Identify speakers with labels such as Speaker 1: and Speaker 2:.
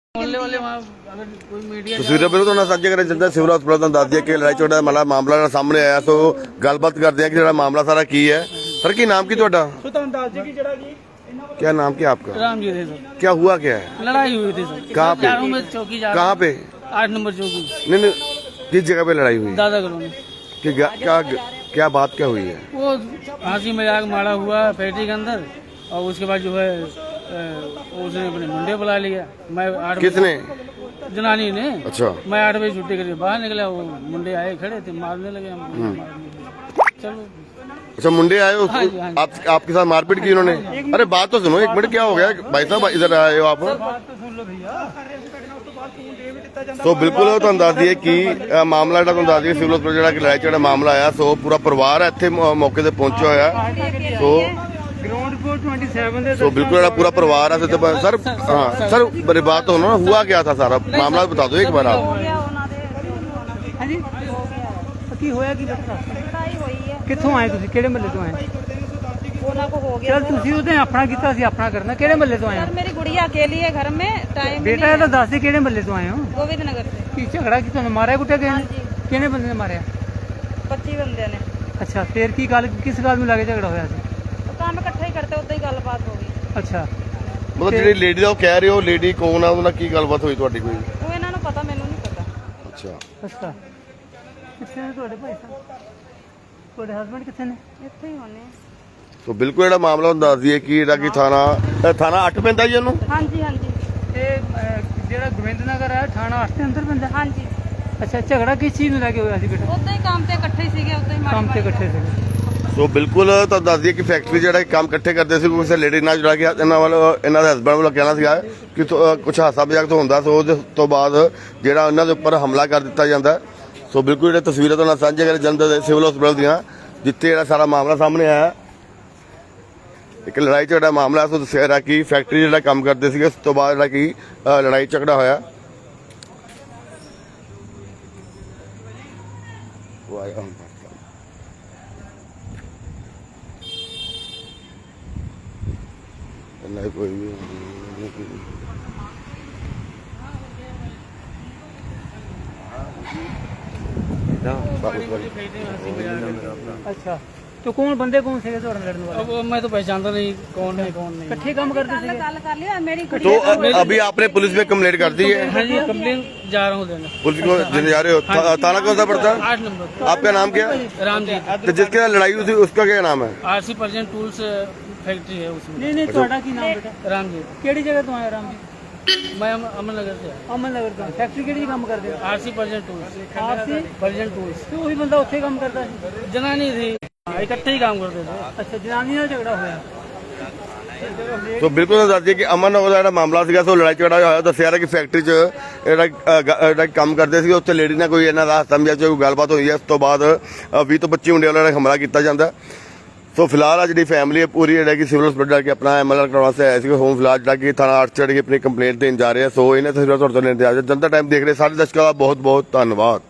Speaker 1: ਤਸਵੀਰਾਂ ਬਿਲਕੁਲ ਤੁਹਾਨੂੰ ਸਾਂਝੇ ਕਰਨ ਚਾਹੁੰਦਾ ਸਿਵਲ ਹਸਪਤਾਲ ਤੋਂ ਦੱਸ ਦਈਏ ਕਿ ਲੜਾਈ ਝਗੜਾ ਵਾਲਾ ਮਾਮਲਾ ਸਾਹਮਣੇ ਆਇਆ। ਸੋ ਗੱਲਬਾਤ ਕਰਦੇ हैं कि ਜਿਹੜਾ ਮਾਮਲਾ ਸਾਰਾ ਕੀ है। सर की नाम की ਤੁਹਾਡਾ? क्या नाम क्या आपका?
Speaker 2: राम जी थे सर।
Speaker 1: क्या हुआ क्या है?
Speaker 2: लड़ाई हुई थी सर।
Speaker 1: कहाँ पे?
Speaker 2: चारों में चौकी जा
Speaker 1: कहाँ पे?
Speaker 2: 8 नंबर चौकी।
Speaker 1: नहीं किस जगह पे लड़ाई हुई?
Speaker 2: दादा कॉलोनी।
Speaker 1: कि क्या बात क्या हुई है?
Speaker 2: वो हंसी मजाक मारा हुआ फैक्ट्री के अंदर और उसके बाद जो है उसने अपने मुंडे बुला लिया। मैं 8
Speaker 1: किसने?
Speaker 2: जनानी ने।
Speaker 1: अच्छा।
Speaker 2: मैं 8 बजे छुट्टी करके बाहर निकला, वो मुंडे आए खड़े थे, मारने लगे हम। चलो
Speaker 1: अच्छा मुंडे आए
Speaker 2: हाँ जी, हाँ जी।
Speaker 1: आपके साथ मारपीट की उन्होंने? अरे बात तो सुनो, एक मिनट क्या हो गया भाई साहब, इधर आए हो आप? ਸੋ ਬਿਲਕੁਲ ਤੁਹਾਨੂੰ ਦੱਸ ਦਈਏ ਕਿ ਮਾਮਲਾ ਜਿਹੜਾ ਤੁਹਾਨੂੰ ਦੱਸ ਦਈਏ ਸਿਵਲ ਹਸਪਤਾਲ ਜਿਹੜਾ ਕਿ ਲੜਾਈ ਝਗੜਾ ਮਾਮਲਾ ਆਇਆ। ਸੋ ਪੂਰਾ ਪਰਿਵਾਰ ਇੱਥੇ ਮੌਕੇ ਤੇ ਪਹੁੰਚਿਆ ਹੋਇਆ। ਸੋ
Speaker 2: ग्राउंड फ्लोर 27 ਦੇ
Speaker 1: सो बिल्कुल ਜਿਹੜਾ पूरा परिवार है सर। हाँ सर मेरी बात तो सुनो, हुआ क्या था सारा मामला बता दो एक बार आप।
Speaker 2: ਹਾਂਜੀ ਕੀ ਹੋਇਆ ਕੀ ਬੇਟਾ?
Speaker 3: ਲੜਾਈ ਹੋਈ ਹੈ
Speaker 2: ਕਿੱਥੋਂ ਆਏ ਤੁਸੀਂ? ਕਿਹੜੇ ਮਹੱਲੇ ਤੋਂ ਆਏ?
Speaker 3: ਉਹਨਾਂ को हो गया।
Speaker 2: ਚਲ ਤੁਸੀਂ ਉਹਦੇ ਆਪਣਾ ਕੀਤਾ ਸੀ ਆਪਣਾ ਕਰਨਾ। ਕਿਹੜੇ ਮਹੱਲੇ ਤੋਂ ਆਏ
Speaker 3: सर
Speaker 2: ਹੋ
Speaker 3: मेरी गुड़िया अकेली है घर में, टाइम
Speaker 2: ਬੇਟਾ? ਇਹ ਤਾਂ ਦੱਸ ਦੇ ਕਿਹੜੇ ਮਹੱਲੇ ਤੋਂ ਆਏ ਹੋ?
Speaker 3: गोविंद नगर से।
Speaker 2: ਕੀ ਝਗੜਾ ਕੀ ਤੁਹਾਨੂੰ ਮਾਰਿਆ ਕੁੱਟਿਆ ਗਿਆ?
Speaker 3: ਹਾਂਜੀ।
Speaker 2: ਕਿਹਨੇ ਬੰਦੇ ਨੇ ਮਾਰਿਆ?
Speaker 3: 25 बंदे ने
Speaker 2: ਅੱਛਾ ਫੇਰ ਕੀ ਗੱਲ, ਕਿਸ ਗੱਲ ਨੂੰ ਲੱਗੇ ਝਗੜਾ ਹੋਇਆ ਸੀ?
Speaker 3: तो काम इकट्ठा ही करते उतना ही गलबात हो गई।
Speaker 2: ਅੱਛਾ
Speaker 1: ਮਤਲਬ ਜਿਹੜੀ ਲੇਡੀ ਦਾ ਉਹ ਕਹਿ ਰਹੇ ਹੋ, ਲੇਡੀ ਕੌਣ ਆ, ਉਹਨਾਂ ਕੀ ਗੱਲਬਾਤ ਹੋਈ ਤੁਹਾਡੀ ਕੋਈ?
Speaker 3: वो इन्हों ਨੂੰ पता, मैनू नहीं पता।
Speaker 1: ਅੱਛਾ
Speaker 2: ਅੱਛਾ ਕਿੱਥੇ ਨੇ ਤੁਹਾਡੇ ਭਾਈ ਸਾਹਿਬ? ਤੁਹਾਡੇ ਹਸਬੰਡ ਕਿੱਥੇ ਨੇ?
Speaker 3: ਇੱਥੇ ਹੀ ਹੋਣੇ।
Speaker 1: ਸੋ ਬਿਲਕੁਲ ਜਿਹੜਾ ਮਾਮਲਾ ਤੁਹਾਨੂੰ ਦੱਸ ਦਈਏ ਕਿ ਜਿਹੜਾ ਕਿ ਥਾਣਾ 8 ਪੈਂਦਾ ਜੀ ਉਹਨੂੰ।
Speaker 3: ਹਾਂਜੀ ਹਾਂਜੀ
Speaker 2: ਇਹ ਜਿਹੜਾ ਗੋਬਿੰਦ ਨਗਰ ਹੈ ਥਾਣਾ 8 ਦੇ ਅੰਦਰ ਪੈਂਦਾ?
Speaker 3: ਹਾਂਜੀ।
Speaker 2: ਅੱਛਾ ਝਗੜਾ ਕਿਸ ਚੀਜ਼ ਨੂੰ ਲੈ ਕੇ ਹੋਇਆ ਸੀ ਬੇਟਾ?
Speaker 3: ਉਦਾਂ ਹੀ ਕੰਮ ਤੇ ਇਕੱਠੇ ਹੀ ਸੀਗੇ, ਉਦਾਂ ਹੀ
Speaker 2: ਕੰਮ ਤੇ
Speaker 3: ਮਾੜੀ
Speaker 2: ਇਕੱਠੇ ਸੀਗੇ।
Speaker 1: ਸੋ ਬਿਲਕੁਲ ਤੁਹਾਨੂੰ ਦੱਸ ਦਈਏ ਕਿ ਫੈਕਟਰੀ ਜਿਹੜਾ ਕੰਮ ਇਕੱਠੇ ਕਰਦੇ ਸੀ, ਕਿਸੇ ਲੇਡੀ ਨਾਲ ਜਿਹੜਾ ਕਿ ਇਹਨਾਂ ਦੇ ਹਸਬੰਡ ਵੱਲੋਂ ਕਹਿਣਾ ਸੀਗਾ ਕਿ ਕੁਝ ਹਾਸਾ ਮਜ਼ਾਕ ਤੋਂ ਹੁੰਦਾ। ਸੋ ਉਸ ਤੋਂ ਬਾਅਦ ਜਿਹੜਾ ਉਹਨਾਂ ਦੇ ਉੱਪਰ ਹਮਲਾ ਕਰ ਦਿੱਤਾ ਜਾਂਦਾ। ਸੋ ਬਿਲਕੁਲ ਜਿਹੜੇ ਤਸਵੀਰਾਂ ਤੁਹਾਨੂੰ ਸਾਂਝੇ ਕਰੇ ਜਲੰਧਰ ਦੇ ਸਿਵਲ ਹਸਪਤਾਲ ਦੀਆਂ, ਜਿੱਥੇ ਜਿਹੜਾ ਸਾਰਾ ਮਾਮਲਾ ਸਾਹਮਣੇ ਆਇਆ। ਇੱਕ ਲੜਾਈ ਝਗੜਾ ਮਾਮਲਾ ਸੋ ਦੱਸਿਆ ਰਿਹਾ ਕਿ ਫੈਕਟਰੀ ਜਿਹੜਾ ਕੰਮ ਕਰਦੇ ਸੀਗੇ, ਉਸ ਤੋਂ ਬਾਅਦ ਜਿਹੜਾ ਕਿ ਲੜਾਈ ਝਗੜਾ ਹੋਇਆ। नहीं कोई भी
Speaker 2: अच्छा तो कौन बंदे कौन से ਤੁਹਾਡੇ ਲੜਨ ਵਾਲੇ? अब मैं तो पहचानता नहीं कौन है कौन नहीं। इकट्ठे काम करते थे।
Speaker 3: ਗੱਲ ਕਰ ਲਿਆ ਮੇਰੀ
Speaker 1: तो
Speaker 3: ਗੁੜੀਆ।
Speaker 1: अभी आपने पुलिस में कंप्लेंट कर दी है?
Speaker 2: हाँ जी कंप्लेन जा रहा हूँ देने।
Speaker 1: पुलिस को देने जा रहे हो? थाना कौन सा पड़ता है?
Speaker 2: 8 नंबर।
Speaker 1: आपका नाम क्या?
Speaker 2: राम जी।
Speaker 1: तो जिसके साथ लड़ाई हुई थी उसका क्या नाम है?
Speaker 2: RC परजेंट टूल्स फैक्ट्री है उसमें।
Speaker 4: नहीं ਤੁਹਾਡਾ ਕੀ ਨਾਮ ਬੇਟਾ?
Speaker 2: राम जी।
Speaker 4: ਕਿਹੜੀ ਜਗ੍ਹਾ ਤੋਂ ਆਏ ਰਾਮ ਜੀ?
Speaker 2: मैं अमन नगर से आया।
Speaker 4: ਅਮਨ ਨਗਰ ਤੋਂ। ਫੈਕਟਰੀ ਕਿਹੜੀ ਕੰਮ ਕਰਦੇ ਹੋ?
Speaker 2: RC परजेंट टूल्स।
Speaker 4: RC
Speaker 2: परजेंट टूल्स।
Speaker 4: ਤੇ ਉਹੀ ਬੰਦਾ ਉੱਥੇ ਕੰਮ ਕਰਦਾ ਸੀ?
Speaker 2: जनानी थी, इकट्ठे ही काम करते थे।
Speaker 4: ਅੱਛਾ ਜਨਾਨੀ ਨਾਲ ਝਗੜਾ ਹੋਇਆ।
Speaker 1: तो बिल्कुल ਦੱਸ ਦਈਏ ਕਿ ਅਮਨ ਨਗਰ ਦਾ ਜਿਹੜਾ ਮਾਮਲਾ ਸੀਗਾ, ਸੋ ਲੜਾਈ ਝਗੜਾ ਹੋਇਆ। ਦੱਸਿਆ ਰਿਹਾ ਕਿ ਫੈਕਟਰੀ 'ਚ ਜਿਹੜਾ ਕੰਮ ਕਰਦੇ ਸੀ, ਉੱਥੇ ਲੇਡੀ ਨਾਲ ਕੋਈ ਇਹਨਾਂ ਦਾ ਹਾਸਾ ਮਜ਼ਾਕ ਕੋਈ ਗੱਲਬਾਤ ਹੋਈ ਹੈ। ਉਸ ਤੋਂ ਬਾਅਦ 20 ਤੋਂ 25 ਮੁੰਡਿਆਂ ਵੱਲੋਂ ਹਮਲਾ ਕੀਤਾ ਜਾਂਦਾ। ਸੋ ਫਿਲਹਾਲ ਆ ਜਿਹੜੀ ਫੈਮਿਲੀ ਹੈ ਪੂਰੀ ਜਿਹੜਾ ਕਿ ਸਿਵਲ ਹਸਪਤਾਲ ਜਾ ਕੇ ਆਪਣਾ MLR ਕਰਵਾਉਣ ਵਾਸਤੇ ਆਇਆ ਸੀ। ਹੋਮ ਫਿਲਹਾਲ ਜਿਹੜਾ ਕਿ ਥਾਣਾ 8 ਚੜ੍ਹ ਕੇ ਆਪਣੀ ਕੰਪਲੇਂਟ ਦੇਣ ਜਾ ਰਹੇ ਆ। ਸੋ ਇਹਨਾਂ ਤਸਵੀਰਾਂ ਤੁਹਾਡੇ ਤੋਂ ਲੈਣ ਤੇ ਆ ਜਨਤਾ ਟਾਈਮ ਦੇਖ ਰਹੇ ਸਾਰੇ ਦਰਸ਼ਕਾਂ ਦਾ ਬਹੁਤ ਬਹੁਤ ਧੰਨਵਾਦ।